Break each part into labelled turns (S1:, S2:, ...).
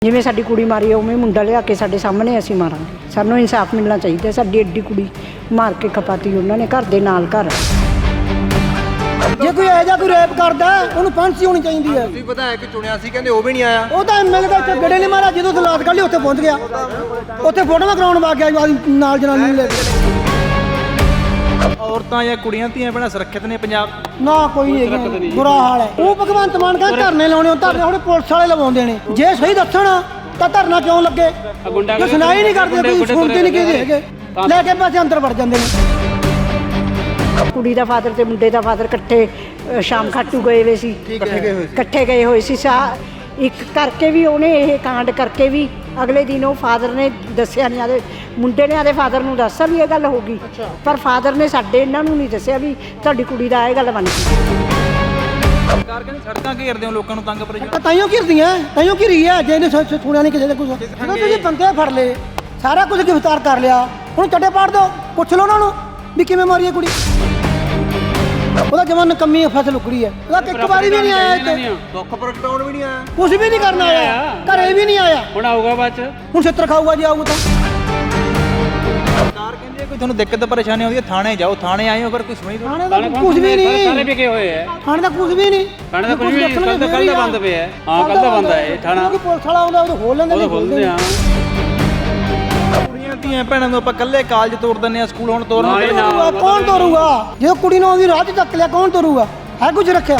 S1: ਜਿਵੇਂ ਸਾਡੀ ਕੁੜੀ ਮਾਰੀ ਉਵੇਂ ਮੁੰਡਾ ਲਿਆ ਕੇ ਸਾਡੇ ਸਾਹਮਣੇ ਅਸੀਂ ਮਾਰਾਂਗੇ। ਸਾਨੂੰ ਇਨਸਾਫ ਮਿਲਣਾ ਚਾਹੀਦਾ। ਸਾਡੀ ਐਡੀ ਕੁੜੀ ਮਾਰ ਕੇ ਖਪਾਤੀ ਉਹਨਾਂ ਨੇ ਘਰ ਦੇ ਨਾਲ ਘਰ।
S2: ਜੇ ਕੋਈ ਇਹੋ ਜਿਹਾ ਕੋਈ ਰੇਪ ਕਰਦਾ ਉਹਨੂੰ ਫਾਂਸੀ ਹੋਣੀ ਚਾਹੀਦੀ ਹੈ।
S3: ਤੁਸੀਂ ਪਤਾ ਹੈ ਕਿ ਚੁਣਿਆ ਸੀ ਕਹਿੰਦੇ ਉਹ ਵੀ ਨਹੀਂ ਆਇਆ।
S2: ਉਹ ਤਾਂ ਐਮਐਲਏ ਦਾ ਇੱਥੇ ਗੜੇ ਨਹੀਂ ਮਾਰਿਆ, ਜਦੋਂ ਦਲਾਤ ਕੱਢ ਲਈ ਉੱਥੇ ਪਹੁੰਚ ਗਿਆ, ਉੱਥੇ ਫੋਟੋਆਂ ਕਰਾਉਣ ਵਾ ਗਿਆ ਨਾਲ ਜਨਾਨੀ ਨੂੰ ਲੈ ਕੇ।
S4: ਔਰਤਾਂ ਜਾਂ ਕੁੜੀਆਂ ਧੀਆਂ ਭੈਣਾਂ ਸੁਰੱਖਿਅਤ ਨੇ ਪੰਜਾਬ
S2: ਨਾ ਕੋਈ ਨਹੀਂ, ਬੁਰਾ ਹਾਲ ਹੈ। ਉਹ ਭਗਵੰਤ ਮਾਨ ਕਹਿੰਦਾ ਧਰਨੇ ਲਾਉਣੇ, ਉਹ ਧਰਨੇ ਹੁਣ ਪੁਲਿਸ ਵਾਲੇ ਲਵਾਉਂਦੇ ਨੇ। ਜੇ ਸਹੀ ਦੱਸਣ ਤਾਂ ਧਰਨਾ ਕਿਉਂ ਲੱਗੇ? ਜੇ ਸੁਣਾਈ ਨਹੀਂ ਕਰਦੇ, ਕੋਈ ਸੁਣਦੇ ਨਹੀਂ ਕਿਸੇ ਹੈਗੇ, ਲੈ ਕੇ ਪੈਸੇ ਅੰਦਰ ਵੜ ਜਾਂਦੇ ਨੇ।
S1: ਕੁੜੀ ਦਾ ਫਾਦਰ ਤੇ ਮੁੰਡੇ ਦਾ ਫਾਦਰ ਇਕੱਠੇ ਸ਼ਾਮ ਖਾਟੂ ਗਏ ਹੋਏ ਸੀ, ਇਕੱਠੇ ਗਏ ਹੋਏ ਸੀ। ਇੱਕ ਕਰਕੇ ਵੀ ਉਹਨੇ ਇਹ ਕਾਂਡ ਕਰਕੇ ਵੀ ਅਗਲੇ ਦਿਨ ਉਹ ਫਾਦਰ ਨੇ ਦੱਸਿਆ ਨਹੀਂ, ਆਦੇ ਮੁੰਡੇ ਨੇ ਆਦੇ ਫਾਦਰ ਨੂੰ ਦੱਸਿਆ ਵੀ ਇਹ ਗੱਲ ਹੋ ਗਈ, ਪਰ ਫਾਦਰ ਨੇ ਸਾਡੇ ਇਹਨਾਂ ਨੂੰ ਨਹੀਂ ਦੱਸਿਆ ਵੀ ਤੁਹਾਡੀ ਕੁੜੀ ਦਾ ਇਹ ਗੱਲ ਬਣ ਗਈ।
S4: ਸਰਕਾਰ ਕਹਿੰਦੀ ਸੜਕਾਂ ਘੇਰਦੇ ਹੋ, ਲੋਕਾਂ ਨੂੰ ਤੰਗ ਪਰੇਸ਼ਾਨ।
S2: ਤਾਈਓ ਘਿਰਦੀਆਂ, ਤਾਈਓ ਘਿਰੀ ਹੈ। ਜੇ ਇਹਨੇ ਸੁਣਿਆ ਨਹੀਂ ਕਿਸੇ ਦਾ ਕੁਝ, ਜਦੋਂ ਤੁਸੀਂ ਬੰਦੇ ਫੜ ਲਏ, ਸਾਰਾ ਕੁਝ ਗ੍ਰਿਫਤਾਰ ਕਰ ਲਿਆ, ਹੁਣ ਚੱਡੇ ਪਾੜ ਦਿਓ, ਪੁੱਛ ਲਓ ਉਹਨਾਂ ਨੂੰ ਵੀ ਕਿਵੇਂ ਮਾਰੀ ਹੈ ਕੁੜੀ। ਉਹਦਾ ਜਵਾਨ ਨਕੰਮੀ ਫਸਲ ਉਕੜੀ ਹੈ, ਉਹਦਾ ਇੱਕ ਵਾਰੀ ਵੀ ਨਹੀਂ ਆਇਆ ਇੱਥੇ,
S3: ਦੁੱਖ ਪ੍ਰਗਟਾਉਣ ਵੀ ਨਹੀਂ ਆਇਆ,
S2: ਕੁਝ ਵੀ ਨਹੀਂ ਕਰਨ ਆਇਆ, ਘਰੇ ਵੀ ਨਹੀਂ ਆਇਆ।
S5: ਹੁਣ ਆਊਗਾ ਬਾਅਦ ਚ,
S2: ਹੁਣ ਛਿੱਤਰ ਖਾਊਗਾ ਜੇ ਆਊਗਾ ਤਾਂ।
S4: ਸਰਕਾਰ ਕਹਿੰਦੀ ਹੈ ਕੋਈ ਤੁਹਾਨੂੰ ਦਿੱਕਤ ਪਰੇਸ਼ਾਨੀ ਆਉਂਦੀ ਹੈ ਥਾਣੇ ਜਾਓ, ਥਾਣੇ ਆਏ ਹੋ ਪਰ ਕੋਈ ਸੁਣੀ
S2: ਥਾਣੇ ਦਾ ਕੁਝ ਵੀ ਨਹੀਂ,
S5: ਸਾਰੇ ਵਿਕੇ ਹੋਏ ਐ।
S2: ਥਾਣੇ ਦਾ ਕੁਝ ਵੀ ਨਹੀਂ,
S5: ਥਾਣੇ ਦਾ ਕੁਝ ਵੀ ਨਹੀਂ, ਕੱਲ ਦਾ ਬੰਦ ਪਿਆ। ਹਾਂ ਕੱਲ ਦਾ ਬੰਦ ਹੈ ਇਹ ਥਾਣਾ,
S2: ਪੁਲਿਸ ਵਾਲਾ ਆਉਂਦਾ ਉਹ ਖੋਲ ਲੈਂਦੇ
S5: ਉਹ ਖੋਲਦੇ ਆ।
S4: ਕੁੜੀਆਂ ਧੀਆਂ ਭੈਣਾਂ ਨੂੰ ਆਪਾਂ ਇਕੱਲੇ ਕਾਲਜ ਤੋਰ ਦਿੰਦੇ ਆ, ਸਕੂਲ ਹੁਣ ਤੋਰਨ
S5: ਨਾਲੇ ਨਾ
S2: ਕੌਣ ਤੋਰੂਗਾ? ਜੇ ਕੁੜੀ ਨੂੰ ਉਹਦੀ ਰਾਹ 'ਚ ਚੱਕ ਲਿਆ, ਕੌਣ ਤੋਰੂਗਾ? ਹੈ ਕੁਝ ਰੱਖਿਆ?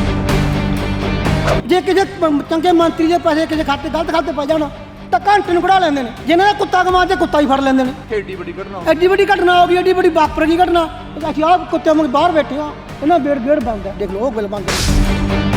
S2: ਜੇ ਕਿਸੇ ਚੰਗੇ ਮੰਤਰੀ ਦੇ ਪੈਸੇ ਕਿਸੇ ਖਾਤੇ ਗਲਤ ਖਾਤੇ ਪੈ ਜਾਣ ਤਾਂ ਘੰਟੇ ਨੂੰ ਕਢਾ ਲੈਂਦੇ ਨੇ। ਜਿਹਨਾਂ ਦਾ ਕੁੱਤਾ ਕਮਾ ਤੇ ਕੁੱਤਾ ਹੀ ਫੜ ਲੈਂਦੇ ਨੇ।
S3: ਏਡੀ ਵੱਡੀ ਘਟਨਾ,
S2: ਐਡੀ ਵੱਡੀ ਘਟਨਾ ਹੋ ਗਈ, ਐਡੀ ਵੱਡੀ ਵਾਪਰ ਗਈ ਘਟਨਾ। ਅਸੀਂ ਆਹ ਕੁੱਤੇ ਵਾਂਗ ਬਾਹਰ ਬੈਠੇ ਆ, ਇਹਨਾਂ ਗੇੜ ਬੰਦ ਹੈ, ਦੇਖ ਲਓ ਉਹ ਗੱਲ ਬੰਦ ਹੈ।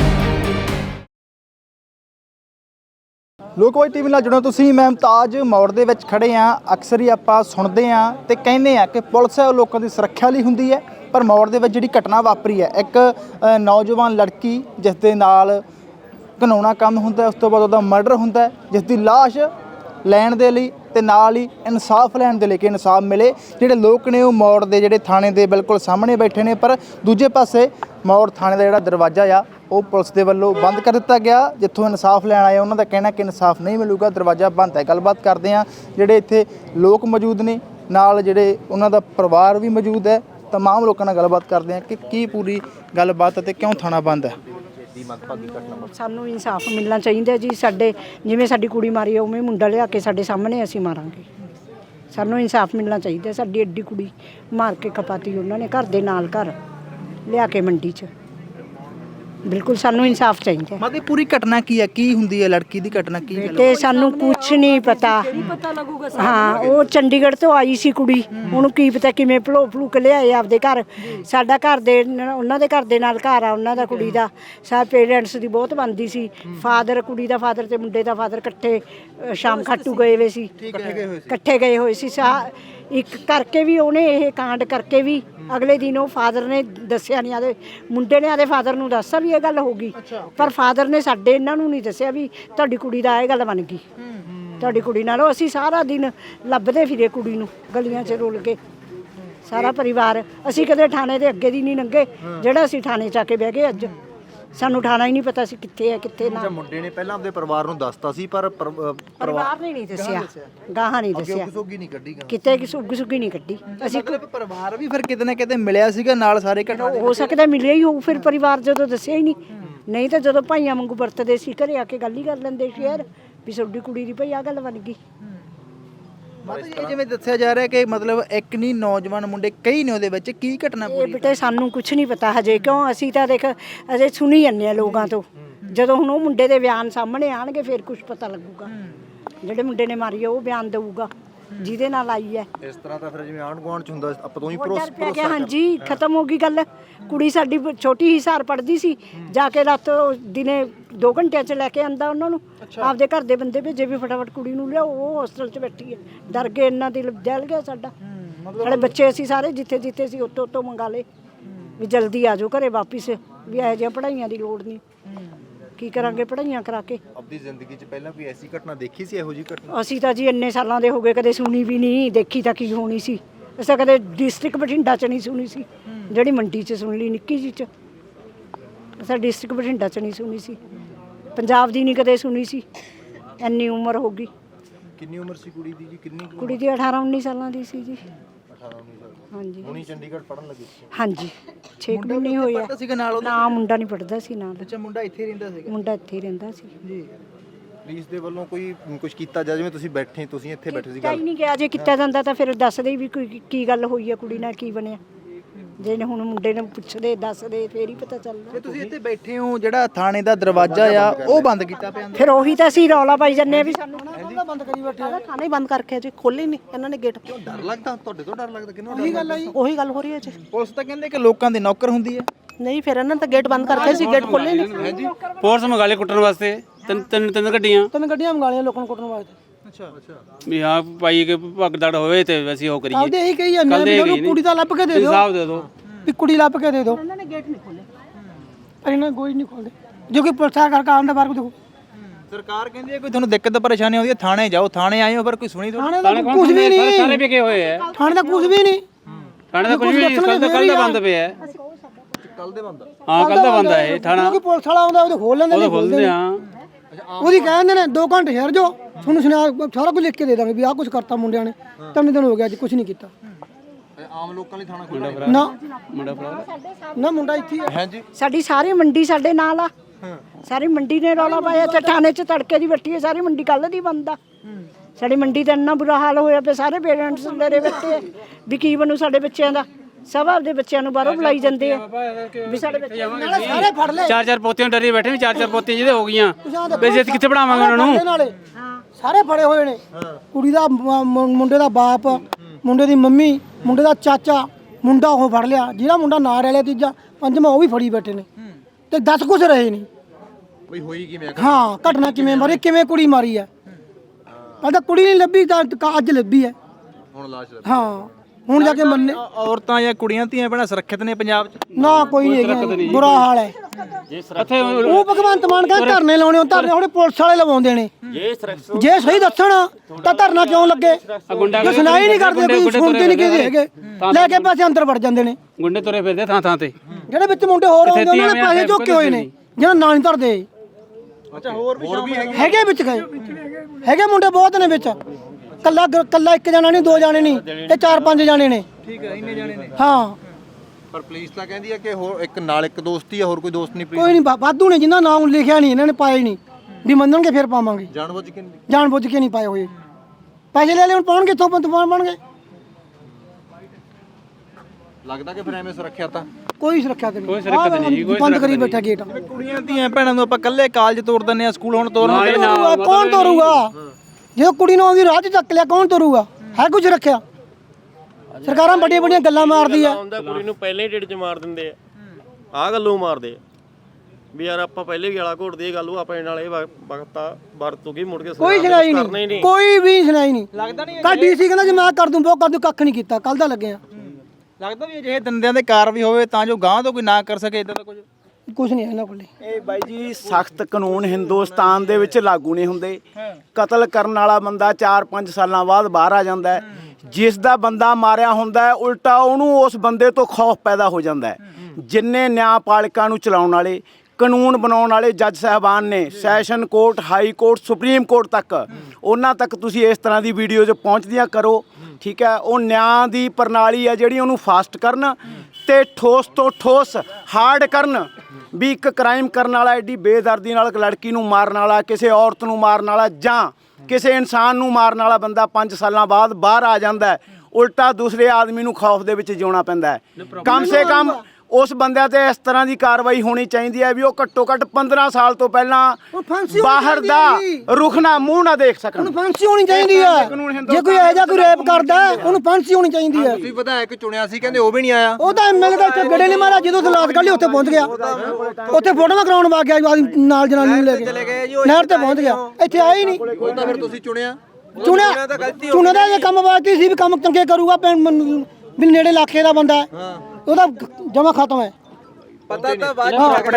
S4: ਲੋਕਵਾਈ ਟੀਵੀ ਨਾਲ ਜੁੜੋ ਤੁਸੀਂ। ਮੈਂ ਮੁਮਤਾਜ ਮੌੜ ਦੇ ਵਿੱਚ ਖੜੇ ਆ। ਅਕਸਰ ਹੀ ਆਪਾਂ ਸੁਣਦੇ ਆ ਤੇ ਕਹਿੰਦੇ ਆ ਕਿ ਪੁਲਿਸ ਹੈ ਉਹ ਲੋਕਾਂ ਦੀ ਸੁਰੱਖਿਆ ਲਈ ਹੁੰਦੀ ਹੈ, ਪਰ ਮੌੜ ਦੇ ਵਿੱਚ ਜਿਹੜੀ ਘਟਨਾ ਵਾਪਰੀ ਹੈ, ਇੱਕ ਨੌਜਵਾਨ ਲੜਕੀ ਜਿਸ ਦੇ ਨਾਲ ਘਿਨਾਉਣਾ ਕੰਮ ਹੁੰਦਾ, ਉਸ ਤੋਂ ਬਾਅਦ ਉਹਦਾ ਮਰਡਰ ਹੁੰਦਾ, ਜਿਸ ਦੀ ਲਾਸ਼ ਲੈਣ ਦੇ ਲਈ ਤੇ ਨਾਲ ਹੀ ਇਨਸਾਫ ਲੈਣ ਦੇ ਲਈ ਕਿ ਇਨਸਾਫ ਮਿਲੇ। ਜਿਹੜੇ ਲੋਕ ਨੇ ਉਹ ਮੌੜ ਦੇ ਜਿਹੜੇ ਥਾਣੇ ਦੇ ਬਿਲਕੁਲ ਸਾਹਮਣੇ ਬੈਠੇ ਨੇ, ਪਰ ਦੂਜੇ ਪਾਸੇ ਮੌੜ ਥਾਣੇ ਦਾ ਜਿਹੜਾ ਦਰਵਾਜ਼ਾ ਆ ਉਹ ਪੁਲਿਸ ਦੇ ਵੱਲੋਂ ਬੰਦ ਕਰ ਦਿੱਤਾ ਗਿਆ। ਜਿੱਥੋਂ ਇਨਸਾਫ ਲੈਣ ਆਏ ਉਹਨਾਂ ਦਾ ਕਹਿਣਾ ਕਿ ਇਨਸਾਫ ਨਹੀਂ ਮਿਲੂਗਾ, ਦਰਵਾਜ਼ਾ ਬੰਦ ਹੈ। ਗੱਲਬਾਤ ਕਰਦੇ ਆ ਜਿਹੜੇ ਇੱਥੇ ਲੋਕ ਮੌਜੂਦ ਨੇ, ਨਾਲ ਜਿਹੜੇ ਉਹਨਾਂ ਦਾ ਪਰਿਵਾਰ ਵੀ ਮੌਜੂਦ ਹੈ। ਤਮਾਮ ਲੋਕਾਂ ਨਾਲ ਗੱਲਬਾਤ ਕਰਦੇ ਆ ਕਿ ਕੀ ਪੂਰੀ ਗੱਲਬਾਤ ਅਤੇ ਕਿਉਂ ਥਾਣਾ ਬੰਦ ਹੈ।
S1: ਸਾਨੂੰ ਇਨਸਾਫ ਮਿਲਣਾ ਚਾਹੀਦਾ ਜੀ। ਸਾਡੇ ਜਿਵੇਂ ਸਾਡੀ ਕੁੜੀ ਮਾਰੀ ਉਵੇਂ ਮੁੰਡਾ ਲਿਆ ਕੇ ਸਾਡੇ ਸਾਹਮਣੇ ਅਸੀਂ ਮਾਰਾਂਗੇ। ਸਾਨੂੰ ਇਨਸਾਫ ਮਿਲਣਾ ਚਾਹੀਦਾ। ਸਾਡੀ ਐਡੀ ਕੁੜੀ ਮਾਰ ਕੇ ਖਪਾਤੀ ਉਹਨਾਂ ਨੇ ਘਰ ਦੇ ਨਾਲ ਘਰ ਲਿਆ ਕੇ ਮੰਡੀ 'ਚ। ਬਿਲਕੁਲ ਸਾਨੂੰ ਇਨਸਾਫ ਚਾਹੀਦਾ।
S4: ਮਤਲਬ ਪੂਰੀ ਘਟਨਾ ਕੀ ਹੈ, ਕੀ ਹੁੰਦੀ ਹੈ ਲੜਕੀ ਦੀ ਘਟਨਾ ਕੀ ਹੈ?
S1: ਤੇ ਸਾਨੂੰ ਕੁਛ ਨਹੀਂ ਪਤਾ। ਹਾਂ ਉਹ ਚੰਡੀਗੜ੍ਹ ਤੋਂ ਆਈ ਸੀ ਕੁੜੀ, ਉਹਨੂੰ ਕੀ ਪਤਾ ਕਿਵੇਂ ਭਲੋ ਕੇ ਲਿਆਏ ਆਪਦੇ ਘਰ। ਸਾਡਾ ਘਰ ਦੇ ਉਹਨਾਂ ਦੇ ਘਰ ਦੇ ਨਾਲ ਘਰ ਆ ਉਹਨਾਂ ਦਾ ਕੁੜੀ ਦਾ। ਸਾਰੇ ਪੇਰੈਂਟਸ ਦੀ ਬਹੁਤ ਬਣਦੀ ਸੀ। ਫਾਦਰ ਕੁੜੀ ਦਾ ਫਾਦਰ ਤੇ ਮੁੰਡੇ ਦਾ ਫਾਦਰ ਇਕੱਠੇ ਸ਼ਾਮ ਖਾਟੂ ਗਏ ਹੋਏ ਸੀ, ਇਕੱਠੇ ਗਏ ਹੋਏ ਸੀ। ਇੱਕ ਕਰਕੇ ਵੀ ਉਹਨੇ ਇਹ ਕਾਂਡ ਕਰਕੇ ਵੀ ਅਗਲੇ ਦਿਨ ਉਹ ਫਾਦਰ ਨੇ ਦੱਸਿਆ ਨਹੀਂ, ਆਦੇ ਮੁੰਡੇ ਨੇ ਆਦੇ ਫਾਦਰ ਨੂੰ ਦੱਸਿਆ ਵੀ ਇਹ ਗੱਲ ਹੋ ਗਈ, ਪਰ ਫਾਦਰ ਨੇ ਸਾਡੇ ਇਹਨਾਂ ਨੂੰ ਨਹੀਂ ਦੱਸਿਆ ਵੀ ਤੁਹਾਡੀ ਕੁੜੀ ਦਾ ਇਹ ਗੱਲ ਬਣ ਗਈ। ਤੁਹਾਡੀ ਕੁੜੀ ਨਾਲੋਂ ਅਸੀਂ ਸਾਰਾ ਦਿਨ ਲੱਭਦੇ ਫਿਰੇ ਕੁੜੀ ਨੂੰ ਗਲੀਆਂ 'ਚ ਰੁਲ ਕੇ, ਸਾਰਾ ਪਰਿਵਾਰ। ਅਸੀਂ ਕਦੇ ਥਾਣੇ ਦੇ ਅੱਗੇ ਦੀ ਨਹੀਂ ਲੰਘੇ, ਜਿਹੜਾ ਅਸੀਂ ਥਾਣੇ 'ਚ ਆ ਕੇ ਬਹਿ ਗਏ। ਅੱਜ ਸਾਨੂੰ ਠਾਣਾ ਹੀ ਨਹੀਂ ਪਤਾ ਸੀ ਕਿੱਥੇ ਹੈ ਕਿੱਥੇ ਨਾ।
S3: ਮੁੰਡੇ ਨੇ ਪਹਿਲਾਂ ਆਪਣੇ ਪਰਿਵਾਰ ਨੂੰ ਦੱਸਤਾ ਸੀ, ਪਰ
S1: ਪਰਿਵਾਰ ਨੇ ਨਹੀਂ ਦੱਸਿਆ, ਗਾਹਾਂ ਨਹੀਂ ਦੱਸਿਆ,
S3: ਸੁੱਗੀ ਨਹੀਂ ਕੱਢੀ।
S1: ਕਿਤੇ ਸੁੱਗੀ ਨਹੀਂ ਕੱਢੀ। ਅਸੀਂ
S4: ਪਰਿਵਾਰ ਵੀ ਫਿਰ ਕਿਤੇ ਨਾ ਕਿਤੇ ਮਿਲਿਆ ਸੀਗਾ ਨਾਲ ਸਾਰੇ ਘਟਨਾ।
S1: ਹੋ ਸਕਦਾ ਮਿਲਿਆ ਹੀ ਹੋਊ ਫਿਰ ਪਰਿਵਾਰ, ਜਦੋਂ ਦੱਸਿਆ ਹੀ ਨਹੀਂ ਤਾਂ ਜਦੋਂ ਭਾਈਆਂ ਵਾਂਗੂ ਵਰਤਦੇ ਸੀ ਘਰੇ ਆ ਕੇ ਗੱਲ ਹੀ ਕਰ ਲੈਂਦੇ ਸੀ ਯਾਰ ਵੀ ਤੁਹਾਡੀ ਕੁੜੀ ਦੀ ਭਾਈ ਆ ਗੱਲ ਬਣ ਗਈ।
S4: ਮਤਲਬ ਜਿਵੇਂ ਦੱਸਿਆ ਜਾ ਰਿਹਾ ਕਿ ਮਤਲਬ ਇੱਕ ਨਹੀਂ ਨੌਜਵਾਨ ਮੁੰਡੇ ਕਈ ਨੇ ਉਹਦੇ ਵਿੱਚ, ਕੀ ਘਟਨਾ
S1: ਇਹ ਬੇਟੇ ਸਾਨੂੰ ਕੁਝ ਨਹੀਂ ਪਤਾ ਹਜੇ, ਕਿਉਂ ਅਸੀਂ ਤਾਂ ਦੇਖ ਅਜੇ ਸੁਣੀ ਜਾਂਦੇ ਆ ਲੋਕਾਂ ਤੋਂ। ਜਦੋਂ ਹੁਣ ਉਹ ਮੁੰਡੇ ਦੇ ਬਿਆਨ ਸਾਹਮਣੇ ਆਣਗੇ ਫਿਰ ਕੁਝ ਪਤਾ ਲੱਗੂਗਾ। ਜਿਹੜੇ ਮੁੰਡੇ ਨੇ ਮਾਰੀ ਉਹ ਬਿਆਨ ਦੇਊਗਾ ਜਿਹਦੇ ਨਾਲ ਆਈ ਹੈ।
S3: ਇਸ ਤਰ੍ਹਾਂ ਤਾਂ ਫਿਰ ਜਿਵੇਂ ਆਂਢ ਗੁਆਂਢ 'ਚ ਹੁੰਦਾ ਆਪਾਂ ਤੋਂ ਹੀ
S1: ਭਰੋਸਾ। ਹਾਂਜੀ ਖਤਮ ਹੋ ਗਈ ਗੱਲ। ਕੁੜੀ ਸਾਡੀ ਛੋਟੀ ਹੀ ਹਿਸਾਰ ਪੜ੍ਹਦੀ ਸੀ, ਜਾ ਕੇ ਰਾਤ ਦਿਨੇ 2 ਘੰਟਿਆਂ 'ਚ ਲੈ ਕੇ ਆਂਦਾ ਉਹਨਾਂ ਨੂੰ। ਆਪਦੇ ਘਰ ਦੇ ਬੰਦੇ ਭੇਜੇ ਵੀ ਫਟਾਫਟ ਕੁੜੀ ਨੂੰ ਲਿਆਓ, ਉਹ ਹੋਸਟਲ 'ਚ ਬੈਠੀ ਹੈ। ਡਰ ਗਏ, ਇੰਨਾ ਦਿਲ ਜਲ ਗਿਆ ਸਾਡਾ। ਸਾਡੇ ਬੱਚੇ ਅਸੀਂ ਸਾਰੇ ਜਿੱਥੇ ਸੀ ਉੱਤੋਂ ਮੰਗਾ ਲਏ ਵੀ ਜਲਦੀ ਆ ਜਾਓ ਘਰੇ ਵਾਪਿਸ, ਵੀ ਇਹੋ ਜਿਹੀਆਂ ਪੜ੍ਹਾਈਆਂ ਦੀ ਲੋੜ ਨਹੀਂ। ਕੀ ਕਰਾਂਗੇ ਪੜ੍ਹਾਈਆਂ ਕਰਾ ਕੇ?
S3: ਆਪਣੀ ਜ਼ਿੰਦਗੀ 'ਚ ਪਹਿਲਾਂ ਕੋਈ ਐਸੀ ਘਟਨਾ ਦੇਖੀ ਸੀ? ਇਹੋ ਜਿਹੀ ਘਟਨਾ
S1: ਅਸੀਂ ਤਾਂ ਜੀ ਇੰਨੇ ਸਾਲਾਂ ਦੇ ਹੋ ਗਏ ਕਦੇ ਸੁਣੀ ਵੀ ਨਹੀਂ, ਦੇਖੀ ਤਾਂ ਕੀ ਹੋਣੀ ਸੀ। ਅਸੀਂ ਕਦੇ ਡਿਸਟ੍ਰਿਕਟ ਬਠਿੰਡਾ 'ਚ ਨਹੀਂ ਸੁਣੀ ਸੀ, ਜਿਹੜੀ ਮੰਡੀ 'ਚ ਸੁਣ ਲਈ ਨਿੱਕੀ ਜਿਹੀ 'ਚ। ਅਸਾਂ ਡਿਸਟ੍ਰਿਕਟ ਬਠਿੰਡਾ 'ਚ ਨਹੀਂ ਸੁਣੀ ਸੀ, ਪੰਜਾਬ ਦੀ ਨਹੀਂ ਕਦੇ ਸੁਣੀ ਸੀ। ਇੰਨੀ ਉਮਰ ਹੋ ਗਈ।
S3: ਕਿੰਨੀ ਉਮਰ ਸੀ ਕੁੜੀ ਦੀ ਜੀ? ਕਿੰਨੀ
S1: ਕੁੜੀ ਦੀ 18-19 ਸਾਲਾਂ ਦੀ ਸੀ ਜੀ।
S3: 18-19 ਸਾਲ
S1: ਹਾਂਜੀ
S3: ਹੁਣੀ ਚੰਡੀਗੜ੍ਹ ਪੜਨ ਲੱਗੀ ਸੀ।
S1: ਹਾਂਜੀ 6 ਮਹੀਨੇ ਹੋਏ ਆ।
S4: ਸੀਗਾ ਨਾਲ ਉਹਦੇ?
S1: ਨਾ ਮੁੰਡਾ ਨਹੀਂ ਪੜਦਾ ਸੀ ਨਾਲ।
S4: ਅੱਛਾ ਮੁੰਡਾ ਇੱਥੇ ਰਹਿੰਦਾ ਸੀਗਾ?
S1: ਮੁੰਡਾ ਇੱਥੇ ਹੀ ਰਹਿੰਦਾ ਸੀ
S4: ਜੀ।
S3: ਪੁਲਿਸ ਦੇ ਵੱਲੋਂ ਕੋਈ ਕੁਝ ਕੀਤਾ ਜਾ, ਜਿਵੇਂ ਤੁਸੀਂ ਬੈਠੇ, ਤੁਸੀਂ ਇੱਥੇ ਬੈਠੇ ਸੀ
S1: ਕੀਤਾ ਹੀ ਨਹੀਂ ਗਿਆ। ਜੇ ਕੀਤਾ ਜਾਂਦਾ ਤਾਂ ਫਿਰ ਦੱਸਦੇ ਵੀ ਕੋਈ ਕੀ ਗੱਲ ਹੋਈ ਆ ਕੁੜੀ ਨਾਲ, ਕੀ ਬਣਿਆ। ਜੇ ਹੁਣ ਮੁੰਡੇ ਨੂੰ ਪੁੱਛਦੇ ਦੱਸਦੇ ਫੇਰ ਹੀ ਪਤਾ ਚੱਲਦਾ।
S4: ਤੇ ਤੁਸੀਂ ਇੱਥੇ ਬੈਠੇ ਹੋ, ਜਿਹੜਾ ਥਾਣੇ ਦਾ ਦਰਵਾਜ਼ਾ ਆ ਉਹ ਬੰਦ ਕੀਤਾ ਪਿਆ ਅੰਦਰ?
S1: ਫਿਰ ਉਹੀ ਤਾਂ ਅਸੀਂ ਰੌਲਾ ਪਾਈ ਜੰਨੇ ਆ ਵੀ ਸਾਨੂੰ
S2: ਬੰਦ ਕਰੀ ਬੈਠੇ
S6: ਸਾਰਾ ਥਾਣਾ ਹੀ ਬੰਦ ਕਰਕੇ ਜੀ, ਖੋਲੇ ਨਹੀਂ ਇਹਨਾਂ ਨੇ ਗੇਟ।
S3: ਡਰ ਲੱਗਦਾ ਤੁਹਾਡੇ ਤੋਂ? ਡਰ ਲੱਗਦਾ ਕਿਹਨੂੰ?
S2: ਉਹੀ ਗੱਲ ਆ ਜੀ।
S6: ਉਹੀ ਗੱਲ ਹੋ ਰਹੀ ਹੈ ਜੀ।
S4: ਪੁਲਿਸ ਤਾਂ ਕਹਿੰਦੇ ਕਿ ਲੋਕਾਂ ਦੇ ਨੌਕਰ ਹੁੰਦੀ ਹੈ।
S6: ਨਹੀਂ ਫਿਰ ਇਹਨਾਂ ਨੇ ਤਾਂ ਗੇਟ ਬੰਦ ਕਰਕੇ ਸੀ, ਗੇਟ ਖੋਲੇ ਨਹੀਂ।
S5: ਫੋਰਸ ਮੰਗਾ ਲਈ ਕੁੱਟਣ ਵਾਸਤੇ ਤਿੰਨ ਗੱਡੀਆਂ।
S2: 3 ਗੱਡੀਆਂ ਮੰਗਾ ਲਈਆਂ ਲੋਕਾਂ ਨੂੰ ਕੁੱਟਣ ਵਾਸਤੇ।
S5: ਵੀ ਹਾਂ ਭਾਈ ਕਿ ਭਗਦੜ ਹੋਵੇ ਤੇ ਅਸੀਂ ਉਹ ਕਰੀਏ।
S2: ਆਪਦੇ ਇਹੀ ਕਹੀ ਜਾਂਦੇ ਆ ਵੀ ਉਹਨੂੰ ਕੁੜੀ ਦਾ ਲੱਭ ਕੇ ਦੇ ਦਿਓ,
S5: ਹਿਸਾਬ ਦੇ ਦਿਓ।
S2: ਵੀ ਕੁੜੀ ਲੱਭ ਕੇ ਦੇ ਦਿਓ। ਇਹਨਾਂ ਨੇ ਗੇਟ ਨਹੀਂ ਖੋਲੇ, ਪਰ ਇਹਨਾਂ ਕੋਈ ਨਹੀਂ ਖੋਲਦੇ। ਜੋ ਕਿ ਪੁਲਿਸ ਕਰਕੇ ਆਉਂਦਾ ਬਾਹਰ ਕੋ ਦੇਖੋ।
S4: ਸਰਕਾਰ ਕਹਿੰਦੀ ਹੈ ਕੋਈ ਤੁਹਾਨੂੰ ਦਿੱਕਤ ਪਰੇਸ਼ਾਨੀ ਆਉਂਦੀ ਹੈ ਥਾਣੇ ਜਾਓ, ਥਾਣੇ ਆਏ ਹੋ ਪਰ ਕੋਈ ਸੁਣੀ
S2: ਥਾਣੇ ਦਾ ਕੁਝ ਵੀ ਨਹੀਂ।
S5: ਸਾਰੇ ਵਿਕੇ ਹੋਏ ਆ।
S2: ਥਾਣੇ ਦਾ ਕੁਝ ਵੀ ਨਹੀਂ।
S5: ਥਾਣੇ ਦਾ ਕੁਝ ਵੀ ਨਹੀਂ। ਕੱਲ ਦਾ ਬੰਦ ਪਿਆ।
S3: ਕੱਲ ਦੇ ਬੰਦਾ
S5: ਹਾਂ ਕੱਲ ਦਾ ਬੰਦ ਹੈ ਇਹ ਥਾਣਾ।
S2: ਕਿਉਂਕਿ ਪੁਲਿਸ ਵਾਲਾ ਆਉਂਦਾ ਉਹਦੇ ਖੋਲ ਲੈਂਦੇ
S5: ਉਹਦੇ
S2: ਨੇ।
S5: ਖੋਲਦੇ ਆ।
S2: ਉਹਦੀ ਕਹਿੰਦੇ ਨੇ 2 ਘੰਟੇ ਠਹਿਰ ਜਾਓ, ਤੁਹਾਨੂੰ ਸਾਰਾ ਕੁਝ ਲਿਖ ਕੇ ਦੇ ਦਾਂਗੇ ਵੀ ਆਹ ਕੁਝ ਕਰਤਾ ਮੁੰਡਿਆਂ ਨੇ। 3 ਦਿਨ ਹੋ ਗਏ ਅੱਜ ਕੁਝ ਨਹੀਂ ਕੀਤਾ।
S3: ਆਮ ਲੋਕਾਂ ਲਈ ਥਾਣਾ ਖੋਲ੍ਹਿਆ
S2: ਨਾ
S5: ਮੁੰਡਾ ਭਰਾ
S2: ਨਾ ਮੁੰਡਾ ਇੱਥੇ ਹੀ ਆ।
S3: ਹੈ ਜੀ।
S1: ਸਾਡੀ ਸਾਰੀ ਮੰਡੀ ਸਾਡੇ ਨਾਲ ਆ। ਸਾਰੀ ਮੰਡੀ ਨੇ ਰੌਲਾ ਪਾਇਆ ਤੇ ਥਾਣੇ 'ਚ ਤੜਕੇ ਦੀ ਬੱਟੀ ਹੈ। ਸਾਰੀ ਮੰਡੀ ਕੱਲ ਦੀ ਬੰਦ ਆ। ਸਾਡੀ ਮੰਡੀ ਦਾ ਇੰਨਾ ਬੁਰਾ ਹਾਲ ਹੋਇਆ ਪਿਆ। ਸਾਰੇ ਪੇਰੈਂਟਸ ਡਰੇ ਬੈਠੇ ਆ ਵੀ ਕੀ ਬਣੂ ਸਾਡੇ ਬੱਚਿਆਂ ਦਾ। ਸਭ ਆਪਦੇ ਬੱਚਿਆਂ ਨੂੰ ਬਾਹਰੋਂ ਬੁਲਾਈ ਜਾਂਦੇ ਆ ਵੀ ਸਾਡੇ ਬੱਚੇ
S2: ਨਾਲੇ ਸਾਰੇ ਫੜ ਲਏ।
S5: 4 ਪੋਤੀਆਂ ਡਰੀ ਬੈਠੇ ਵੀ 4 ਪੋਤੀਆਂ ਜਿਹਦੇ ਹੋ ਗਈਆਂ ਵੈਸੇ ਕਿੱਥੇ ਪੜਾਵਾਂਗੇ ਉਹਨਾਂ ਨੂੰ?
S2: ਨਾਲੇ ਸਾਰੇ ਫੜੇ ਹੋਏ ਨੇ। ਕੁੜੀ ਦਾ ਮੁੰਡੇ ਦਾ ਬਾਪ, ਮੁੰਡੇ ਦੀ ਮੰਮੀ, ਮੁੰਡੇ ਦਾ ਚਾਚਾ, ਮੁੰਡਾ ਉਹ ਫੜ ਲਿਆ। ਜਿਹੜਾ ਮੁੰਡਾ ਨਾਲ ਰਹਿ ਲਿਆ ਤੀਜਾ, ਪੰਜਵਾਂ ਉਹ ਵੀ ਫੜੀ ਬੈਠੇ ਨੇ। ਤੇ 10 ਕੁਛ ਰਹੇ ਨਹੀਂ।
S3: ਬਈ ਹੋਈ ਕਿਵੇਂ?
S2: ਹਾਂ ਘਟਨਾ ਕਿਵੇਂ ਮਾਰੀ, ਕਿਵੇਂ ਕੁੜੀ ਮਾਰੀ ਆ। ਤਾਂ ਕੁੜੀ ਨਹੀਂ ਲੱਭੀ ਤਾਂ ਅੱਜ ਲੱਭੀ ਹੈ।
S3: ਹੁਣ ਲਾਸ਼ ਲੱਭੀ।
S2: ਹਾਂ ਹੁਣ ਜਾ ਕੇ ਮੰਨੇ।
S4: ਔਰਤਾਂ ਜਾਂ ਕੁੜੀਆਂ ਧੀਆਂ ਭੈਣਾਂ ਸੁਰੱਖਿਅਤ ਨੇ ਪੰਜਾਬ 'ਚ?
S2: ਨਾ ਕੋਈ ਨਹੀਂ ਹੈਗੀ, ਬੁਰਾ ਹਾਲ ਹੈ।
S5: ਇੱਥੇ
S2: ਉਹ ਭਗਵੰਤ ਮਾਨ ਕਹਿੰਦਾ ਧਰਨੇ ਲਾਉਣੇ ਹੋ, ਧਰਨੇ ਹੁਣ ਪੁਲਿਸ ਵਾਲੇ ਲਵਾਉਂਦੇ ਨੇ। ਜੇ ਸਹੀ ਦੱਸਣ ਤਾਂ ਧਰਨਾ ਕਿਉਂ ਲੱਗੇ? ਜੇ ਸੁਣਾਈ ਨਹੀਂ ਕਰਦੇ, ਕੋਈ ਸੁਣਦੇ ਨਹੀਂ ਕਿਸੇ ਹੈਗੇ, ਲੈ ਕੇ ਪੈਸੇ ਅੰਦਰ ਵੜ ਜਾਂਦੇ ਨੇ।
S5: ਗੁੰਡੇ ਤੁਰੇ ਫਿਰਦੇ ਥਾਂ ਤੇ।
S2: ਜਿਹੜੇ ਵਿੱਚ ਮੁੰਡੇ ਹੋਰ ਆਉਂਦੇ ਉਹਨਾਂ ਨੇ ਪੈਸੇ ਝੋਕੇ ਹੋਏ ਨੇ, ਜਿਹਨਾਂ ਨਾਂ ਨਹੀਂ ਧਰਦੇ।
S4: ਅੱਛਾ ਹੋਰ ਵੀ
S2: ਹੈਗੇ ਵਿੱਚ ਗਏ, ਹੈਗੇ ਮੁੰਡੇ ਬਹੁਤ ਨੇ ਵਿੱਚ। ਕੱਲਾ ਇੱਕ ਜਣਾ ਨਹੀਂ, 2 ਜਾਣੇ ਨਹੀਂ, ਇਹ 4-5 ਜਾਣੇ ਨੇ।
S4: ਠੀਕ ਹੈ, ਇੰਨੇ ਜਾਣੇ ਨੇ।
S2: ਹਾਂ
S3: ਪਰ ਪੁਲਿਸ ਤਾਂ ਕਹਿੰਦੀ ਹੈ ਕਿ ਹੋਰ ਇੱਕ ਨਾਲ ਇੱਕ ਦੋਸਤ ਹੀ ਆ, ਹੋਰ ਕੋਈ ਦੋਸਤ ਨਹੀਂ।
S2: ਕੋਈ ਨਹੀਂ, ਵਾਧੂ ਨੇ ਜਿਨ੍ਹਾਂ ਨਾਮ ਲਿਖਿਆ ਨਹੀਂ, ਇਹਨਾਂ ਨੇ ਪਾਏ ਨਹੀਂ ਵੀ ਮੰਨਣਗੇ ਫਿਰ ਪਾਵਾਂਗੇ।
S3: ਜਾਣਬੁੱਝ ਕੇ ਨਹੀਂ।
S2: ਜਾਣ ਬੁੱਝ ਕੇ ਨਹੀਂ ਪਾਏ ਹੋਏ। ਪੈਸੇ ਲੈ ਲੈ ਹੁਣ ਪਾਉਣਗੇ ਕਿੱਥੋਂ ਬਣਨਗੇ?
S3: ਲੱਗਦਾ ਕਿ ਫਿਰ ਐਵੇਂ ਸੁਰੱਖਿਆ ਤਾਂ
S2: ਕੋਈ ਸੁਰੱਖਿਆ ਨਹੀਂ।
S5: ਕੋਈ ਸੁਰੱਖਿਆ ਨਹੀਂ, ਕੋਈ
S2: ਬੰਦ ਕਰੀ ਬੈਠਾ ਗੇਟ।
S4: ਕੁੜੀਆਂ ਧੀਆਂ ਭੈਣਾਂ ਨੂੰ ਆਪਾਂ ਕੱਲੇ ਕਾਲਜ ਤੋੜ ਦਿੰਦੇ ਆ, ਸਕੂਲ ਹੁਣ ਤੋੜਨਾ
S2: ਕੌਣ ਤੋਰੂਗਾ? ਜਦੋਂ ਕੁੜੀ ਨੂੰ ਆਉਂਦੀ ਰਾਹ 'ਚ ਚੱਕ ਲਿਆ, ਕੌਣ ਤੋਰੂਗਾ? ਹੈ ਕੁਝ ਰੱਖਿਆ? ਸਰਕਾਰਾਂ ਵੱਡੀਆਂ ਵੱਡੀਆਂ ਗੱਲਾਂ ਮਾਰਦੀ ਆ।
S7: ਕੁੜੀ ਨੂੰ ਪਹਿਲਾਂ ਹੀ ਢਿੱਡ 'ਚ ਮਾਰ ਦਿੰਦੇ ਆ। ਆਹ ਗੱਲੋਂ ਮਾਰਦੇ ਆ ਵੀ ਯਾਰ ਆਪਾਂ ਪਹਿਲੇ ਵੀ ਗਾਲਾਂ ਘੋਟਦੇ ਇਹ ਗੱਲ ਉਹ ਆਪਣੇ ਨਾਲ ਇਹ ਵਕਤਾ ਵਰਤੂਗੀ ਮੁੜ ਕੇ
S2: ਕੋਈ ਸੁਣਾਈ ਨਹੀਂ, ਕੋਈ ਵੀ ਸੁਣਾਈ ਨਹੀਂ।
S4: ਲੱਗਦਾ ਨਹੀਂ
S2: ਕੱਲ ਡੀਸੀ ਕਹਿੰਦਾ ਜੇ ਮੈਂ ਕਰ ਦੂੰ ਬਹੁਤ ਕਰ ਦੂੰ, ਕੱਖ ਨਹੀਂ ਕੀਤਾ। ਕੱਲ ਦਾ ਲੱਗਿਆ।
S4: ਲੱਗਦਾ ਵੀ ਅਜਿਹੇ ਦੰਦਿਆਂ ਦੇ ਕਾਰਵਾਈ ਹੋਵੇ ਤਾਂ ਜੋ ਗਾਂ ਤੋਂ ਕੋਈ ਨਾ ਕਰ ਸਕੇ ਇਦਾਂ ਦਾ ਕੁਝ?
S2: ਕੁਝ ਨਹੀਂ ਇਹਨਾਂ ਕੋਲੇ।
S8: ਇਹ ਬਾਈ ਜੀ ਸਖਤ ਕਾਨੂੰਨ ਹਿੰਦੁਸਤਾਨ ਦੇ ਵਿੱਚ ਲਾਗੂ ਨਹੀਂ ਹੁੰਦੇ। ਕਤਲ ਕਰਨ ਵਾਲਾ ਬੰਦਾ 4-5 ਸਾਲਾਂ ਬਾਅਦ ਬਾਹਰ ਆ ਜਾਂਦਾ ਹੈ। ਜਿਸ ਦਾ ਬੰਦਾ ਮਾਰਿਆ ਹੁੰਦਾ ਹੈ, ਉਲਟਾ ਉਹਨੂੰ ਉਸ ਬੰਦੇ ਤੋਂ ਖੌਫ ਪੈਦਾ ਹੋ ਜਾਂਦਾ ਹੈ। ਜਿੰਨੇ ਨਿਆਂਪਾਲਿਕਾ ਨੂੰ ਚਲਾਉਣ ਵਾਲੇ, ਕਾਨੂੰਨ ਬਣਾਉਣ ਵਾਲੇ ਜੱਜ ਸਾਹਿਬਾਨ ਨੇ, session court, high court, supreme court ਤੱਕ, ਉਹਨਾਂ ਤੱਕ ਤੁਸੀਂ ਇਸ ਤਰ੍ਹਾਂ ਦੀ ਵੀਡੀਓ 'ਚ ਪਹੁੰਚਦੀਆਂ ਕਰੋ। ਠੀਕ ਹੈ, ਉਹ ਨਿਆਂ ਦੀ ਪ੍ਰਣਾਲੀ ਹੈ ਜਿਹੜੀ ਉਹਨੂੰ ਫਾਸਟ ਕਰਨ ਤੇ ਠੋਸ ਤੋਂ ਠੋਸ ਹਾਰਡ ਕਰਨ। ਵੀ ਇੱਕ ਕ੍ਰਾਈਮ ਕਰਨ ਵਾਲਾ ਐਡੀ ਬੇਦਰਦੀ ਨਾਲ ਲੜਕੀ ਨੂੰ ਮਾਰਨ ਵਾਲਾ, ਕਿਸੇ ਔਰਤ ਨੂੰ ਮਾਰਨ ਵਾਲਾ ਜਾਂ ਕਿਸੇ ਇਨਸਾਨ ਨੂੰ ਮਾਰਨ ਵਾਲਾ ਬੰਦਾ 5 ਸਾਲਾਂ ਬਾਅਦ ਬਾਹਰ ਆ ਜਾਂਦਾ ਹੈ, ਉਲਟਾ ਦੂਸਰੇ ਆਦਮੀ ਨੂੰ ਖੌਫ ਦੇ ਵਿੱਚ ਜਿਉਣਾ ਪੈਂਦਾ ਹੈ। ਕਮ ਸੇ ਕਮ ਉਸ ਬੰਦਿਆਂ ਤੇ ਇਸ ਤਰ੍ਹਾਂ ਦੀ ਕਾਰਵਾਈ ਹੋਣੀ ਚਾਹੀਦੀ ਹੈ ਵੀ ਉਹ ਘੱਟੋ ਘੱਟ 15 ਸਾਲ ਤੋਂ ਪਹਿਲਾਂ ਬਾਹਰ ਦਾ ਰੁਖ ਨਾ ਮੂੰਹ ਨਾ ਦੇਖ ਸਕਣ।
S2: ਉਹਨੂੰ ਫਾਂਸੀ ਹੋਣੀ ਚਾਹੀਦੀ ਹੈ। ਜੇ ਕੋਈ ਇਹੋ ਜਿਹਾ ਕੋਈ ਰੇਪ ਕਰਦਾ ਉਹਨੂੰ ਫਾਂਸੀ ਹੋਣੀ ਚਾਹੀਦੀ ਹੈ।
S3: ਤੁਸੀਂ ਵਿਧਾਇਕ ਚੁਣਿਆ ਸੀ, ਕਹਿੰਦੇ ਉਹ ਵੀ ਨਹੀਂ ਆਇਆ।
S2: ਉਹ ਤਾਂ ਐਮਐਲਏ ਦਾ ਇੱਥੇ ਗੜੇ ਨਹੀਂ ਮਾਰਿਆ। ਜਦੋਂ ਦਲਾਤ ਕੱਢ ਲਈ ਉੱਥੇ ਪਹੁੰਚ ਗਿਆ, ਉੱਥੇ ਫੋਟੋਆਂ ਕਰਾਉਣ ਵਾ ਗਿਆ ਨਾਲ ਜਨਾਨੀ ਨੂੰ ਲੈ ਕੇ ਨਹਿਰ ਤੇ ਪਹੁੰਚ ਗਿਆ, ਇੱਥੇ ਆਇਆ ਹੀ ਨਹੀਂ।
S3: ਉਹ ਤਾਂ ਫਿਰ ਤੁਸੀਂ ਚੁਣਿਆ
S2: ਚੁਣਿਆ ਦਾ ਇਹ ਕੰਮ ਵਾਸਤੇ ਸੀ ਵੀ ਕੰਮ ਚੰਗੇ ਕਰੂਗਾ। ਵੀ ਨੇੜੇ ਇਲਾਕੇ ਦਾ ਬੰਦਾ ਉਹਦਾ ਜਮਾ ਖਤਮ ਹੈ।
S9: ਪਤਾ ਤਾਂ ਬਾਅਦ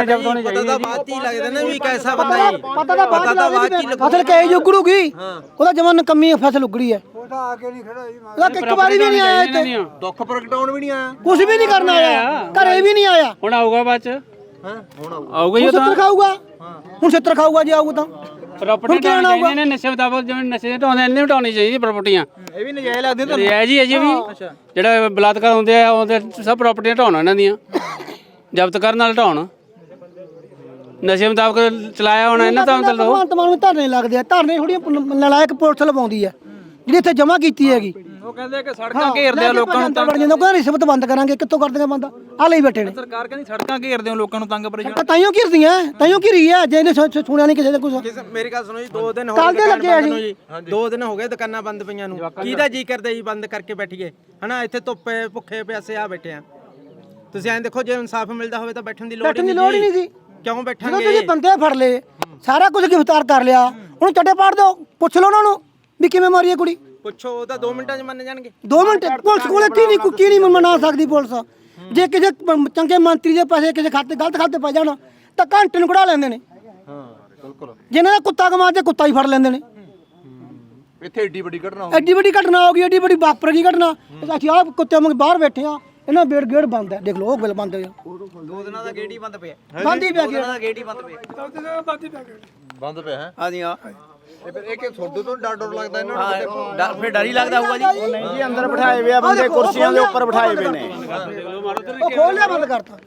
S9: ਹੀ ਲੱਗਦਾ ਨਾ ਵੀ ਕੈਸਾ ਬੰਦਾ ਹੈ।
S2: ਪਤਾ ਤਾਂ ਬਾਅਦ ਚ ਫਸਲ ਕਹੇ ਜੋ ਉਗੜੂਗੀ, ਉਹਦਾ ਜਮਾ ਨਕਮੀ ਫਸਲ ਉਗੜੀ ਹੈ। ਉਹਦਾ ਆ ਕੇ ਨਹੀਂ ਖੜਾ ਜੀ, ਉਹਦਾ ਇੱਕ ਵਾਰੀ ਵੀ ਨਹੀਂ ਆਇਆ ਇੱਥੇ,
S3: ਦੁੱਖ ਪ੍ਰਗਟਾਉਣ ਵੀ ਨਹੀਂ ਆਇਆ,
S2: ਕੁਝ ਵੀ ਨਹੀਂ ਕਰਨ ਆਇਆ, ਘਰੇ ਵੀ ਨਹੀਂ ਆਇਆ।
S5: ਹੁਣ ਆਊਗਾ ਬਾਅਦ ਚ,
S3: ਹੁਣ
S5: ਆਊਗਾ ਹੀ
S2: ਹੁਣ 70 ਖਾਊਗਾ, ਹੁਣ 70 ਖਾਊਗਾ ਜੇ ਆਊਗਾ ਤਾਂ।
S5: ਪ੍ਰਾਪਰਟੀ ਢਾਉਣੀ ਨੇ ਨਸ਼ੇ ਮੁਤਾਬਕ ਜਿਵੇਂ ਨਸ਼ੇ ਦੇ ਢਾਉਂਦੇ ਨੇ ਢਾਉਣੀ ਚਾਹੀਦੀ ਪ੍ਰਾਪਰਟੀਆਂ।
S4: ਇਹ ਵੀ ਨਜਾਇਜ਼ ਲੱਗਦੇ ਤੁਹਾਨੂੰ?
S5: ਇਹ ਜੀ ਅਜੇ ਵੀ ਜਿਹੜਾ ਬਲਾਤਕਾਰ ਹੁੰਦੇ ਆ ਉਹਦੇ ਸਭ ਪ੍ਰਾਪਰਟੀਆਂ ਢਾਉਣ ਇਹਨਾਂ ਦੀਆਂ, ਜ਼ਬਤ ਕਰਨ ਨਾਲ ਢਾਉਣ, ਨਸ਼ੇ ਮੁਤਾਬਕ ਚਲਾਇਆ ਹੋਣਾ ਇਹਨਾਂ ਤਾਂ ਮਤਲਬ
S2: ਭਗਵੰਤ ਮਾਨ ਨੂੰ ਧਰਨੇ ਲੱਗਦੇ ਆ, ਧਰਨੇ ਥੋੜੀ ਨਲਾਇਕ ਪੁਲਿਸ ਲਵਾਉਂਦੀ ਆ ਜਿਹੜੀ ਇੱਥੇ ਜਮ੍ਹਾਂ ਕੀਤੀ ਹੈਗੀ।
S4: ਉਹ ਕਹਿੰਦੇ ਕਿ ਸੜਕਾਂ ਘੇਰਦੇ ਆ ਲੋਕਾਂ ਨੂੰ
S2: ਵੜ ਜਾਂਦਾ, ਕਹਿੰਦਾ ਰਿਸ਼ਵਤ ਬੰਦ ਕਰਾਂਗੇ, ਕਿੱਥੋਂ ਕਰ ਦੇਗਾ ਬੰਦਾ? ਆ ਲਈ ਬੈਠੇ ਨੇ।
S4: ਸਰਕਾਰ ਕਹਿੰਦੀ ਸੜਕਾਂ ਘੇਰਦੇ ਹੋ ਲੋਕਾਂ ਨੂੰ ਤੰਗ ਪਰੇਸ਼ਾਨ।
S2: ਤਾਈਓ ਘਿਰਦੀਆਂ, ਤਾਈਓ ਘਿਰੀ ਆ, ਜੇ ਇਹਨੇ ਸੁਣਿਆ ਨਹੀਂ ਕਿਸੇ ਦਾ ਕੁਝ।
S9: ਮੇਰੀ ਗੱਲ ਸੁਣੋ ਜੀ, 2 ਦਿਨ ਹੋ
S2: ਕੱਲ੍ਹ ਦੇ
S9: ਗਏ
S2: ਲੱਗੇ ਆ
S9: ਦੁਕਾਨ ਬੰਦ ਨੂੰ ਜੀ, 2 ਦਿਨ ਹੋ ਗਏ ਦੁਕਾਨਾਂ ਬੰਦ ਪਈਆਂ ਨੂੰ। ਕਿਹਦਾ ਜੀ ਕਰਦਾ ਜੀ ਬੰਦ ਕਰਕੇ ਬੈਠੀਏ ਹਨਾ? ਇੱਥੇ ਧੁੱਪੇ ਭੁੱਖੇ ਪਿਆਸੇ ਆ ਬੈਠੇ ਆ। ਤੁਸੀਂ ਐਂ ਦੇਖੋ, ਜੇ ਇਨਸਾਫ ਮਿਲਦਾ ਹੋਵੇ ਤਾਂ ਬੈਠਣ ਦੀ ਲੋੜ ਨਹੀਂ ਜੀ। ਕਿਉਂ ਬੈਠਾਂਗੇ?
S2: ਜਦੋਂ ਤੁਸੀਂ ਬੰਦੇ ਫੜ ਲਏ, ਸਾਰਾ ਕੁਝ ਗ੍ਰਿਫਤਾਰ ਕਰ ਲਿਆ, ਉਹਨੂੰ ਚੱਡੇ ਪਾੜ ਦਿਓ, ਪੁੱਛ ਲਓ ਉਹਨਾਂ ਨੂੰ ਵੀ ਕਿਵੇਂ ਮਾਰੀ ਹੈ ਕੁੜੀ।
S9: ਪੁੱਛੋ, ਉਹ ਤਾਂ 2 ਮਿੰਟਾਂ 'ਚ ਮੰਨ ਜਾਣਗੇ।
S2: 2 ਮਿੰਟ ਪੁਲਿਸ ਕੋਲੇ ਕੀ ਨਹੀਂ ਮਨਾ ਸਕਦੀ ਪੁਲਿਸ। ਜੇ ਕਿਸੇ ਚੰਗੇ ਮੰਤਰੀ ਦੇ ਪੈਸੇ ਕਿਸੇ ਖਾਤੇ ਗਲਤ ਖਾਤੇ ਪੈ ਜਾਣ ਤਾਂ ਘੰਟੇ ਨੂੰ ਕਢਾ ਲੈਂਦੇ ਨੇ।
S3: ਹਾਂ ਬਿਲਕੁਲ।
S2: ਜਿਹਨਾਂ ਦਾ ਕੁੱਤਾ ਕਮਾਤੇ ਕੁੱਤਾ ਹੀ ਫੜ ਲੈਂਦੇ ਨੇ।
S3: ਇੱਥੇ ਏਡੀ ਵੱਡੀ ਘਟਨਾ
S2: ਐਡੀ ਵੱਡੀ ਘਟਨਾ ਹੋ ਗਈ, ਐਡੀ ਵੱਡੀ ਵਾਪਰ ਗਈ ਘਟਨਾ। ਅਸੀਂ ਆਹ ਕੁੱਤੇ ਵਾਂਗ ਬਾਹਰ ਬੈਠੇ ਆ, ਇਹਨਾਂ ਬੇੜ ਗੇੜ ਬੰਦ ਹੈ, ਦੇਖ ਲਓ ਉਹ ਬਿਲ ਬੰਦ ਹੋਇਆ।
S9: 2 ਦਿਨਾਂ ਦਾ ਗੇਟ ਹੀ ਬੰਦ ਪਿਆ।
S2: ਬੰਦ ਹੀ ਪਿਆ
S9: ਦਾ ਗੇਟ ਹੀ ਬੰਦ ਪਿਆ।
S3: ਬੰਦ ਪਿਆ ਹੈ।
S9: ਹਾਂਜੀ ਹਾਂ।
S3: ਇਹ ਫਿਰ ਇਹ ਕਿ ਤੁਹਾਡੇ ਤੋਂ ਡਰ ਲੱਗਦਾ ਇਹਨਾਂ ਨੂੰ?
S9: ਫਿਰ ਡਰ ਹੀ ਲੱਗਦਾ ਹੋਊਗਾ ਜੀ।
S8: ਨਹੀਂ ਜੀ, ਅੰਦਰ ਬਿਠਾਏ ਹੋਏ ਆ ਬੰਦੇ, ਕੁਰਸੀਆਂ ਦੇ ਉੱਪਰ ਬਿਠਾਏ ਹੋਏ ਨੇ।
S2: ਉਹ ਖੋਲ ਲਿਆ, ਬੰਦ ਕਰਤਾ।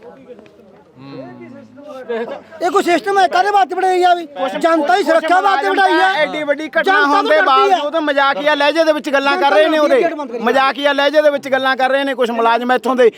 S2: ਇਹ ਕੋਈ ਸਿਸਟਮ ਹੈ? ਕਾਹਦੇ ਵਾਸਤੇ ਬਣਾਈ ਆ? ਵੀ ਜਨਤਾ ਦੀ ਸੁਰੱਖਿਆ ਵਾਸਤੇ ਬਣਾਈ ਆ।
S8: ਐਡੀ ਵੱਡੀ ਘਟਨਾ ਹੋਣ ਦੇ ਬਾਵਜੂਦ ਮਜ਼ਾਕੀਆ ਲਹਿਜੇ ਦੇ ਵਿੱਚ ਗੱਲਾਂ ਕਰ ਰਹੇ ਨੇ। ਉਹਦੇ ਮਜ਼ਾਕੀਆ ਲਹਿਜੇ ਦੇ ਵਿੱਚ ਗੱਲਾਂ ਕਰ ਰਹੇ ਨੇ ਕੁਝ ਮੁਲਾਜ਼ਮ ਇੱਥੋਂ ਦੇ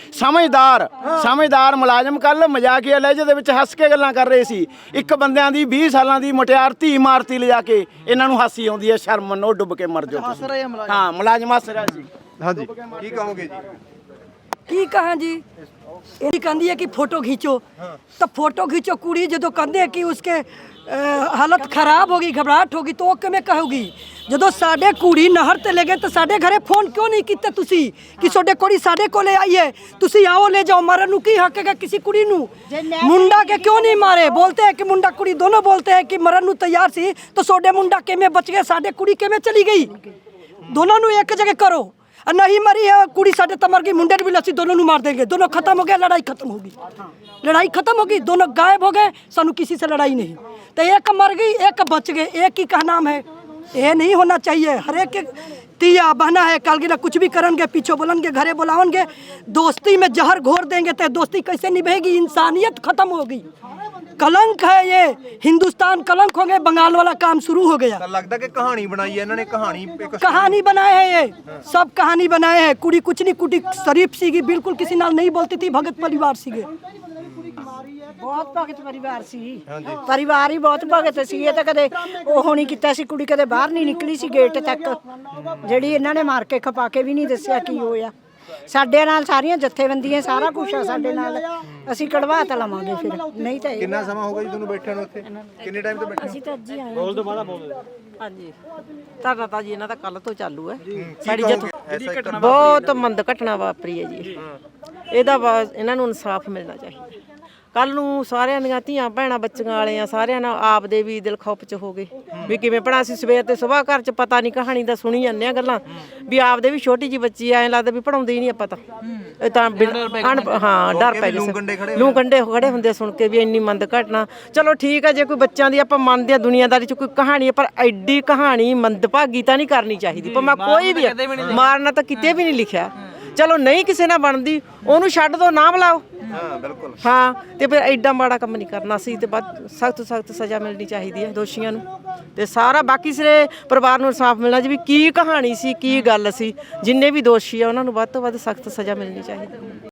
S8: ਸਮਝਦਾਰ ਮੁਲਾਜ਼ਮ। ਕੱਲ ਮਜ਼ਾਕੀਆ ਲਹਿਜੇ ਦੇ ਵਿੱਚ ਹੱਸ ਕੇ ਗੱਲਾਂ ਕਰ ਰਹੇ ਸੀ। ਇੱਕ ਬੰਦਿਆਂ ਦੀ 20 ਸਾਲਾਂ ਦੀ ਮੁਟਿਆਰ ਧੀ ਮਾਰਤੀ ਲਿਜਾ ਕੇ, ਇਹਨਾਂ ਨੂੰ ਹਾਸੀ ਆਉਂਦੀ ਹੈ। ਸ਼ਰਮ ਮੰਨੋ, ਡੁੱਬ ਕੇ ਮਰ ਜਾਓ ਤੁਸੀਂ। ਹਾਂ, ਮੁਲਾਜ਼ਮ ਹੱਸ ਰਿਹਾ ਸੀ।
S3: ਹਾਂਜੀ, ਕੀ ਕਹੋਗੇ ਜੀ?
S10: ਕੀ ਕਹਾਂ ਜੀ? ਇਹ ਕਹਿੰਦੀ ਹੈ ਕਿ ਫੋਟੋ खींचो, तो फोटो खींचो कुड़ी जो कहते कि उसके हालत खराब होगी, घबराहट होगी, तो किवें कहोगी? ਜਦੋਂ ਸਾਡੇ ਕੁੜੀ ਨਹਿਰ ਤੇ ਲੈ ਗਏ ਤਾਂ ਸਾਡੇ ਘਰੇ ਫੋਨ ਕਿਉਂ ਨਹੀਂ ਕੀਤੇ ਤੁਸੀਂ ਕਿ ਤੁਹਾਡੇ ਕੁੜੀ ਸਾਡੇ ਕੋਲੇ ਆਈ ਹੈ, ਤੁਸੀਂ ਆਓ ਲੈ ਜਾਓ? ਮਰਨ ਨੂੰ ਕੀ ਹੱਕ ਹੈਗਾ ਕਿਸੇ ਕੁੜੀ ਨੂੰ? ਮੁੰਡਾ ਕੇ ਕਿਉਂ ਨਹੀਂ ਮਾਰੇ? ਬੋਲਤੇ ਹੈ ਕਿ ਮੁੰਡਾ ਕੁੜੀ ਦੋਨੋਂ ਬੋਲਤੇ ਹੈ ਕਿ ਮਰਨ ਨੂੰ ਤਿਆਰ ਸੀ, ਤਾਂ ਤੁਹਾਡੇ ਮੁੰਡਾ ਕਿਵੇਂ ਬਚ ਗਏ, ਸਾਡੇ ਕੁੜੀ ਕਿਵੇਂ ਚਲੀ ਗਈ? ਦੋਨੋਂ ਨੂੰ ਇੱਕ ਜਗ੍ਹਾ ਕਰੋ। नहीं मरी है कुड़ी साढ़े तो मर गई, मुंडे भी लस्सी, दोनों मार देंगे, दोनों खत्म हो गया, लड़ाई खत्म होगी, लड़ाई खत्म होगी, दोनों गायब हो गए, सानू किसी से लड़ाई नहीं। तो एक मर गई, एक बच गए, एक ही का नाम है। ये नहीं होना चाहिए। हर एक तिया बहना है, कल गिरा कुछ भी करेंगे, पीछे बोलेंगे, घरे बुलाओगे, दोस्ती में जहर घोर देंगे तो दोस्ती कैसे निभेगी? इंसानियत खत्म होगी। कलंक है ये, हिंदुस्तान कलंक हो गए। बंगाल वाला काम शुरू हो गया।
S3: लगता कि कहानी बनाई है इन्होंने,
S10: कहानी बनाए हैं, ये सब कहानी बनाए हैं। कुड़ी कुछ नहीं, कुड़ी शरीफ सीगी, बिल्कुल किसी नाल नहीं बोलती थी, भगत परिवार सीगे,
S1: ਬਹੁਤ ਭਗਤ ਪਰਿਵਾਰ ਸੀ। ਪਰਿਵਾਰ ਹੀ ਬਹੁਤ ਭਗਤ ਸੀ। ਇਹ ਤਾਂ ਕਦੇ ਉਹ ਨਹੀਂ ਕੀਤਾ ਸੀ, ਕੁੜੀ ਕਦੇ ਬਾਹਰ ਨਹੀਂ ਨਿਕਲੀ ਸੀ ਗੇਟ ਤੱਕ, ਜਿਹੜੀ ਇਹਨਾਂ ਨੇ ਮਾਰ ਕੇ ਖਪਾ ਕੇ ਵੀ ਨਹੀਂ ਦੱਸਿਆ ਕੀ ਹੋਇਆ। ਸਾਡੇ ਨਾਲ ਸਾਰੀਆਂ ਜਥੇਬੰਦੀਆਂ, ਸਾਰਾ ਕੁਝ ਆ ਸਾਡੇ ਨਾਲ। ਅਸੀਂ ਕਢਵਾ ਤਾਂ ਲਵਾਂਗੇ ਫਿਰ, ਨਹੀਂ ਤਾਂ
S3: ਕਿੰਨਾ ਸਮਾਂ ਹੋ ਗਿਆ ਜੀ ਤੁਹਾਨੂੰ ਬੈਠਿਆਂ ਨੂੰ ਇੱਥੇ? ਕਿੰਨੇ ਟਾਈਮ ਤੋਂ ਬੈਠੇ?
S1: ਅਸੀਂ ਤਾਂ ਅੱਜ ਹੀ ਆਏ।
S5: ਬੋਲ ਦੋ ਬਾਲਾ ਬੋਲ।
S6: ਹਾਂਜੀ, ਧਰਨਾ ਤਾਂ ਜੀ ਇਹਨਾਂ ਦਾ ਕੱਲ ਤੋਂ ਚਾਲੂ ਹੈ।
S3: ਸਾਡੀ
S6: ਬਹੁਤ ਮੰਦ ਘਟਨਾ ਵਾਪਰੀ ਹੈ ਜੀ। ਇਹਦਾ ਇਹਨਾਂ ਨੂੰ ਇਨਸਾਫ ਮਿਲਣਾ ਚਾਹੀਦਾ। ਕੱਲ ਨੂੰ ਸਾਰਿਆਂ ਦੀਆਂ ਧੀਆਂ ਭੈਣਾਂ ਬੱਚੀਆਂ ਵਾਲਿਆਂ ਸਾਰਿਆਂ ਨਾਲ ਆਪ ਦੇ ਵੀ ਦਿਲ ਖੌਫ ਚ ਹੋ ਗਏ ਵੀ ਕਿਵੇਂ ਪੜਾ। ਅਸੀਂ ਸਵੇਰ ਤੇ ਸੁਬਾਹ ਘਰ ਚ ਪਤਾ ਨਹੀਂ ਕਹਾਣੀ ਦਾ ਸੁਣੀ ਜਾਂਦੇ ਆ ਗੱਲਾਂ ਵੀ ਆਪ ਦੇ ਵੀ ਛੋਟੀ ਜੀ ਬੱਚੀ ਐ ਲੱਗਦਾ ਵੀ ਪੜਾਉਂਦੀ ਹੀ ਨਹੀਂ ਆਪਾਂ ਤਾਂ। ਇਹ ਤਾਂ ਹਾਂ ਡਰ ਪੈ ਗਿਆ। ਲੂ ਕੰਡੇ ਖੜੇ ਹੁੰਦੇ ਸੁਣ ਕੇ ਵੀ ਇੰਨੀ ਮੰਦ ਘਟਨਾ। ਚਲੋ ਠੀਕ ਹੈ, ਜੇ ਕੋਈ ਬੱਚਿਆਂ ਦੀ ਆਪਾਂ ਮੰਨਦੇ ਆ ਦੁਨੀਆਦਾਰੀ ਚ ਕੋਈ ਕਹਾਣੀ ਹੈ, ਪਰ ਐਡੀ ਕਹਾਣੀ ਮੰਦਭਾਗੀ ਤਾਂ ਨਹੀਂ ਕਰਨੀ ਚਾਹੀਦੀ। ਭਾਵੇਂ ਕੋਈ ਵੀ ਮਾਰਨਾ ਤਾਂ ਕਿਤੇ ਵੀ ਨਹੀਂ ਲਿਖਿਆ। ਚਲੋ ਨਹੀਂ ਕਿਸੇ ਨਾਲ ਬਣਦੀ, ਉਹਨੂੰ ਛੱਡ ਦੋ, ਨਾ ਬੁਲਾਓ।
S3: ਹਾਂ ਬਿਲਕੁਲ।
S6: ਹਾਂ, ਤੇ ਫਿਰ ਐਡਾ ਮਾੜਾ ਕੰਮ ਨਹੀਂ ਕਰਨਾ ਸੀ ਤੇ ਬਾਅਦ ਸਖਤ ਸਜ਼ਾ ਮਿਲਣੀ ਚਾਹੀਦੀ ਹੈ ਦੋਸ਼ੀਆਂ ਨੂੰ। ਤੇ ਸਾਰਾ ਬਾਕੀ ਸਾਰੇ ਪਰਿਵਾਰ ਨੂੰ ਇਨਸਾਫ ਮਿਲਣਾ ਜੀ ਵੀ ਕੀ ਕਹਾਣੀ ਸੀ, ਕੀ ਗੱਲ ਸੀ। ਜਿੰਨੇ ਵੀ ਦੋਸ਼ੀ ਆ ਉਹਨਾਂ ਨੂੰ ਵੱਧ ਤੋਂ ਵੱਧ ਸਖਤ ਸਜ਼ਾ ਮਿਲਣੀ ਚਾਹੀਦੀ ਹੈ।